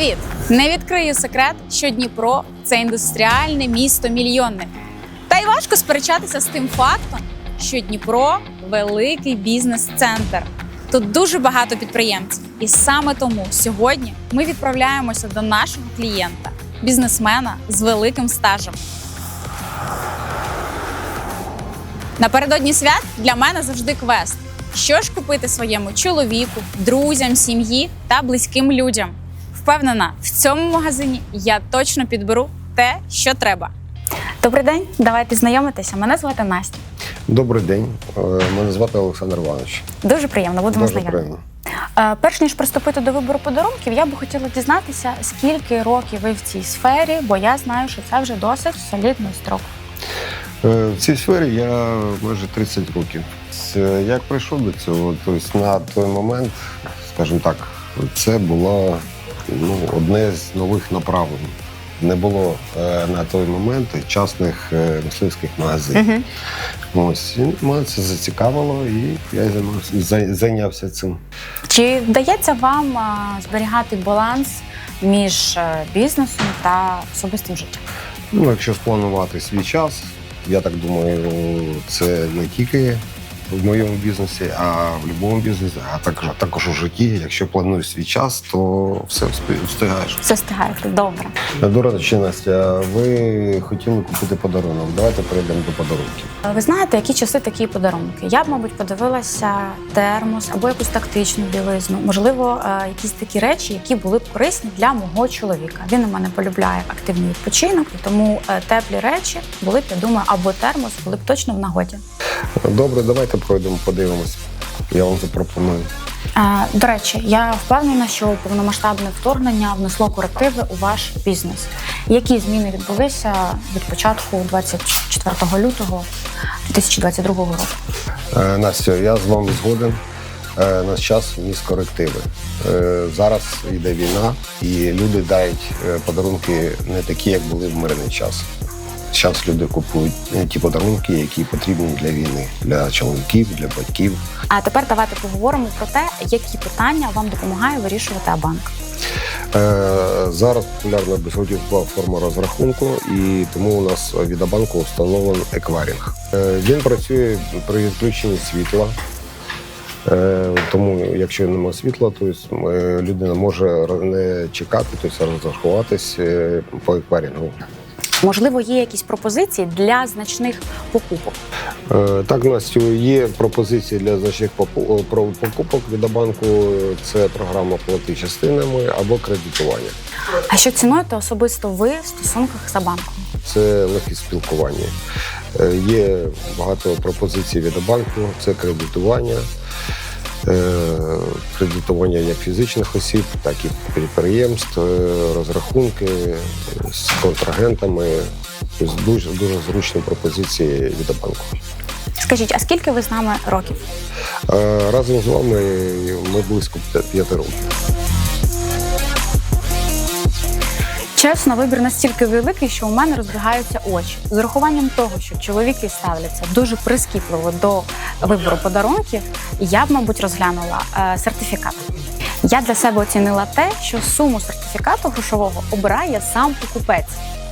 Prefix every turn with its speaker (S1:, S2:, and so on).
S1: Привіт! Не відкрию секрет, що Дніпро – це індустріальне місто-мільйонник. Та й важко сперечатися з тим фактом, що Дніпро – великий бізнес-центр. Тут дуже багато підприємців. І саме тому сьогодні ми відправляємося до нашого клієнта – бізнесмена з великим стажем. Напередодні свят для мене завжди квест. Що ж купити своєму чоловіку, друзям, сім'ї та близьким людям? Впевнена, в цьому магазині я точно підберу те, що треба. Добрий день, давайте знайомитися. Мене звати Настя.
S2: Добрий день, мене звати Олександр Іванович.
S1: Дуже приємно, будемо
S2: Дуже
S1: знайомі. Перш ніж приступити до вибору подарунків, я би хотіла дізнатися, скільки років ви в цій сфері, бо я знаю, що це вже досить солідний строк.
S2: В цій сфері я майже 30 років. Як прийшов до цього, тобто на той момент, скажімо так, це було одне з нових направлень. Не було на той момент частних мисливських магазинів. Ось, і мене це зацікавило, і я зайнявся цим.
S1: Чи вдається вам зберігати баланс між бізнесом та особистим життям?
S2: Якщо спланувати свій час, я так думаю, це не тільки в моєму бізнесі, а в будь-якому бізнесі, а також у житті. Якщо плануєш свій час, то все встигаєш.
S1: Все встигаєте, добре.
S2: До речі, Настя, ви хотіли купити подарунок. Давайте перейдемо до подарунків.
S1: Ви знаєте, які часи такі подарунки? Я б, мабуть, подивилася термос або якусь тактичну білизну. Можливо, якісь такі речі, які були б корисні для мого чоловіка. Він у мене полюбляє активний відпочинок, і тому теплі речі були б, я думаю, або термос були б точно в нагоді.
S2: Добре, давайте пройдемо, подивимось. Я вам запропоную.
S1: До речі, я впевнена, що повномасштабне вторгнення внесло корективи у ваш бізнес. Які зміни відбулися від початку 24 лютого 2022 року?
S2: Настя, я з вами згоден. Наш час вніс корективи. Зараз йде війна, і люди дають подарунки не такі, як були в мирний час. Зараз люди купують ті подарунки, які потрібні для війни, для чоловіків, для батьків.
S1: А тепер давайте поговоримо про те, які питання вам допомагає вирішувати Абанк.
S2: Зараз популярна безготівкова форма розрахунку, і тому у нас від Абанку встановлений еквайринг. Він працює при відключенні світла, тому якщо немає світла, то людина може не чекати, тобто розрахуватись по еквайрингу.
S1: Можливо, є якісь пропозиції для значних покупок?
S2: Так, Настю, є пропозиції для значних покупок від Абанку. Це програма «Плати частинами» або кредитування.
S1: А що цінуєте особисто ви в стосунках з Абанком?
S2: Це легкість спілкування. Є багато пропозицій від Абанку. Це кредитування. Кредитування як фізичних осіб, так і підприємств, розрахунки з контрагентами. Тобто дуже зручні пропозиції від Абанку.
S1: Скажіть, а скільки ви з нами років?
S2: Разом з вами ми близько 5 років.
S1: Чесно, вибір настільки великий, що у мене розбігаються очі. З урахуванням того, що чоловіки ставляться дуже прискіпливо до вибору подарунків, я б, мабуть, розглянула сертифікат. Я для себе оцінила те, що суму сертифікату грошового обирає сам покупець.